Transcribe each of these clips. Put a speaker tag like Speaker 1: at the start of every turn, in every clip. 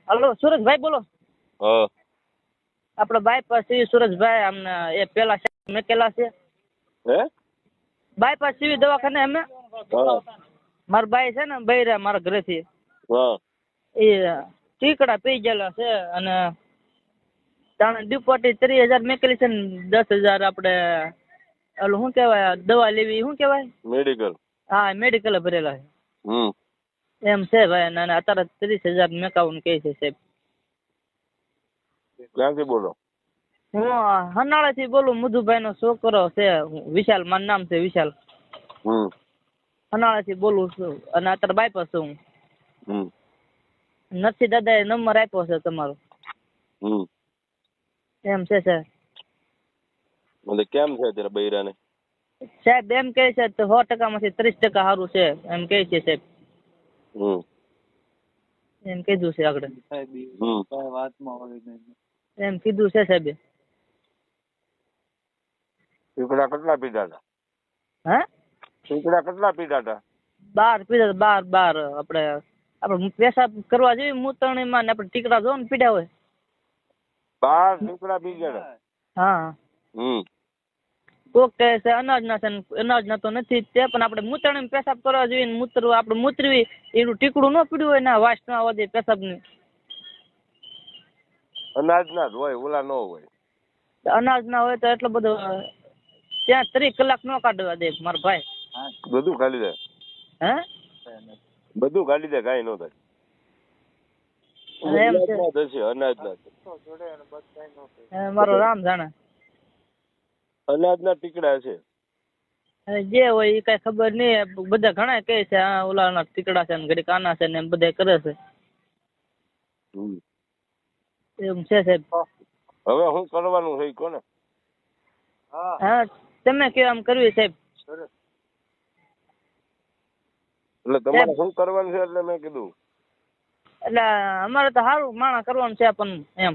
Speaker 1: Hello સુરજભાઈ બોલો.
Speaker 2: હા.
Speaker 1: આપણો બાયપાસ સીવી સુરજભાઈ અમને એ પેલા મેકેલા છે.
Speaker 2: હે?
Speaker 1: બાયપાસ સીવી દવાખાને અમે
Speaker 2: હા.
Speaker 1: મારા બાઈ છે ને બૈરા મારા ઘરેથી
Speaker 2: હા.
Speaker 1: એ ટીકડા પી ગયેલા છે અને તાણે ડિપોટી 30,000 મેકેલી છે ને 10,000 આપણે ઓલું શું કહેવાય દવા લેવી શું કહેવાય
Speaker 2: મેડિકલ.
Speaker 1: હા મેડિકલ ભરેલા
Speaker 2: હમ.
Speaker 1: છે એમ છે ભાઈ અને અત્યારે 30,000 મેકાવાનું કહે છે સાહેબ.
Speaker 2: ક્યાંથી બોલો?
Speaker 1: હું હનાળાથી બોલું. મધુભાઈનો છોકરો છે વિશાલ, મારું નામ છે વિશાલ.
Speaker 2: હમ.
Speaker 1: હનાળાથી બોલું છું અને અત્યારે બાયપાસ છું હું.
Speaker 2: હમ.
Speaker 1: નથી દાદાએ નંબર આપ્યો છે તમારો.
Speaker 2: હમ.
Speaker 1: એમ છે સર.
Speaker 2: એટલે કેમ છે અત્યારે બૈરાને?
Speaker 1: સાહેબ એમ કહે છે તો 100%માંથી 30% સારું છે એમ કહે છે સાહેબ.
Speaker 2: હમ.
Speaker 1: એમ કીધું છે આગળ. એમ કીધું છે સાહેબ.
Speaker 2: ટીકડા કેટલા પીધા હતા?
Speaker 1: હે?
Speaker 2: ટીકડા કેટલા પીધા હતા?
Speaker 1: 12 પીધા 12 આપણે પેશાબ કરવા જઈએ મૂતરણીમાં ને આપણે ટીકડા જો ને પીડા હોય.
Speaker 2: 12 ટીકડા પી ગયા?
Speaker 1: હા.
Speaker 2: હમ.
Speaker 1: કોક કહે છે અનાજના છે ને અનાજના તો નથી જ તે પણ આપણે મૂતરણીમાં પેશાબ કરવા જોઈએ ને આપણે મૂતરવી એનું ટીકડું ન પીડ્યું હોય ને વાસ ના વધે પેશાબની.
Speaker 2: અનાજના જ હોય, ઓલા ન હોય.
Speaker 1: અનાજ ના હોય તો એટલો બધો ત્યાં 30 કલાક ન કાઢવા દે મારા ભાઈ.
Speaker 2: બધું ખાલી જાય.
Speaker 1: હે?
Speaker 2: બધું ખાલી જાય, કાંઈ ન થાય.
Speaker 1: એમ છે.
Speaker 2: અનાજના
Speaker 1: મારો રામ જાણે.
Speaker 2: અનાજના ટીકડા છે.
Speaker 1: જે હોય એ કઈ ખબર નહીં. બધા ઘણા કહે છે આ ઓલાના ટીકડા છે ને ઘડીક આના છે ને એમ બધા કરે છે. એમ છે સાહેબ.
Speaker 2: હવે શું કરવાનું છે કોને?
Speaker 1: હા તમે કયો આમ કરવી સાહેબ.
Speaker 2: એટલે તમારે શું કરવાનું છે એટલે મેં કીધું.
Speaker 1: એટલે અમારે તો સારું માણા કરવાનું છે પણ એમ.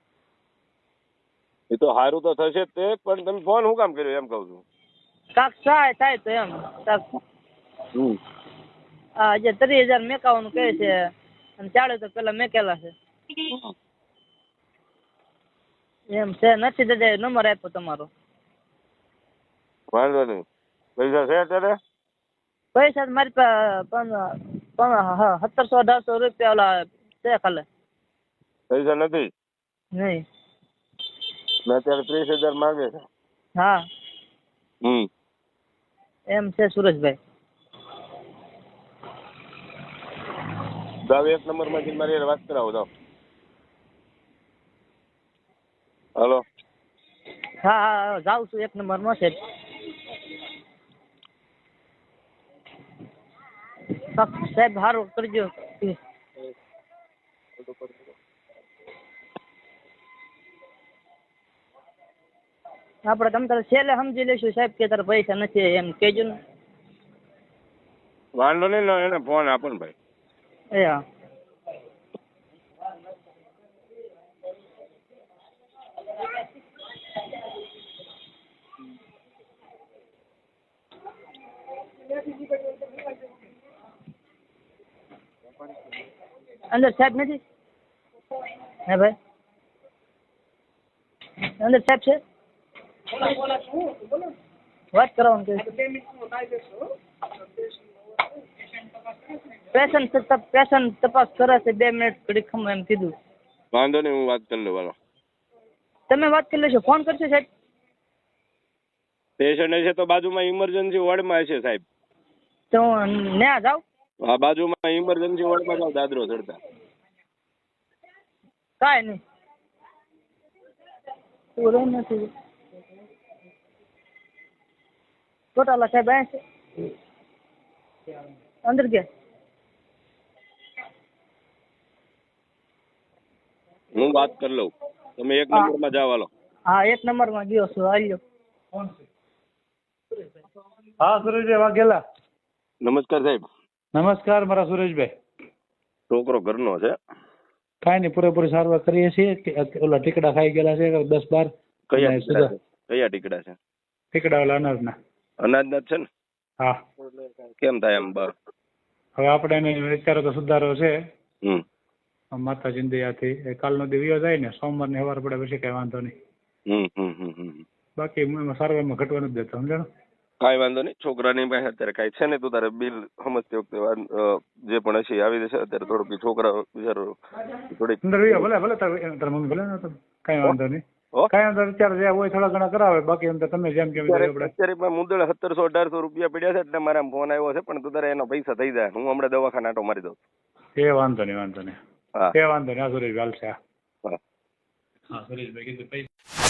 Speaker 2: એ તો સારું તો થશે જ તે, પણ તમે ફોન શું કામ કર્યો એમ કહું છું.
Speaker 1: કાક થાય તો એમ કાક. હા જે 30,000 મેકાવાનું કહે છે અને 40 તો પેલા મેકેલા છે. એમ છે. નથી દાદા નંબર આપ્યો તમારો.
Speaker 2: વાંધો નહીં. પૈસા છે અત્યારે?
Speaker 1: પૈસા મારી પાસે 1700-1800 રૂપિયા ઓલા છે ખાલી.
Speaker 2: પૈસા નથી?
Speaker 1: નહીં.
Speaker 2: મેં અત્યારે 30,000 માંગે છે.
Speaker 1: હા. એમ છે સુરજભાઈ.
Speaker 2: દાવ 1 નંબર માં મારી વાત કરાવો દાવ. હાલો.
Speaker 1: હા જાઉં છું 1 નંબર માં છે. સાહેબ સારું કરજો. આપણે તમ તારે છેલ્લે સમજી લઈશું સાહેબ કે તારે પૈસા નથી એમ કહેજો ને.
Speaker 2: વાંધો નહીં, એને ફોન આપો ને ભાઈ.
Speaker 1: એ હા. અંદર સાહેબ નથી? હે ભાઈ અંદર સાહેબ છે? વાત કરવાનું કે પેશન્ટ તપાસ કરે છે 2 મિનિટ ઘડી ખમ એમ કીધું.
Speaker 2: વાંધો નહીં, હું વાત કરી લઉં. હાલો.
Speaker 1: તમે વાત કરી લેશો. ફોન કરશો સાહેબ?
Speaker 2: પેશન્ટ છે તો બાજુમાં ઇમરજન્સી વોર્ડમાં છે સાહેબ.
Speaker 1: તો ન્યા જાવ.
Speaker 2: હા બાજુમાં ઇમરજન્સી વોર્ડમાં જાવ દાદરો ચડતા.
Speaker 1: કાંઈ નહીં. પૂરો નથી. ટોટાલા સાહેબ આ છે અંદર ગયા.
Speaker 2: હું વાત કરી લઉં. તમે 1 નંબરમાં જાવ. હાલો.
Speaker 1: હા 1 નંબરમાં ગયો છું. હાલ્યો.
Speaker 3: હા સુરેશભાઈ વાઘેલા.
Speaker 2: નમસ્કાર સાહેબ.
Speaker 3: નમસ્કાર મારા સુરેશભાઈ.
Speaker 2: છોકરો ઘરનો છે.
Speaker 3: કાંઈ નહીં, પૂરેપૂરી સારવાર કરીએ છીએ. ઓલા ટીકડા ખાઈ ગયેલા છે 10-12.
Speaker 2: કયા ટીકડા છે?
Speaker 3: ટીકડા ઓલા અનાજના.
Speaker 2: અનાજના જ છે ને?
Speaker 3: હા.
Speaker 2: કેમ થાય એમ?
Speaker 3: હવે આપણે એને વિચારો તો સુધારો છે. માતાજીની દયાથી એ કાલનો દિવસ જાય ને સોમવારની સવાર પડે પછી કઈ વાંધો નહીં. બાકી એમાં સારવારમાં ઘટવાનું જ દેતો સમજાણો.
Speaker 2: કાંઈ વાંધો નહીં. છોકરાની પાસે અત્યારે કાંઈ છે ને, તું તારે બિલ સમજતી વખતે જે પણ હશે એ આવી જશે. અત્યારે થોડુંક છોકરા બિચારો થોડીક
Speaker 3: અંદર ભલે ભલે તાર મમ્મી ભલે ને કઈ વાંધો નહીં. કઈ વાંધો અત્યારે જે હોય થોડા ઘણા કરાવે, બાકી અંદર તમે જેમ કેમ
Speaker 2: અત્યારે પણ મુદ્દળ 1700-1800 રૂપિયા પડ્યા છે એટલે મારા ફોન આવ્યો છે, પણ તું તારે એનો પૈસા થઈ જાય. હું હમણાં દવાખાના આટો મારી દઉં.
Speaker 3: એ વાંધો નહીં વાંધો નહીં.
Speaker 2: હા
Speaker 3: એ વાંધો નહીં. હા સુરેશભાઈ હાલશે. હા સુરેશભાઈ કીધું પૈસા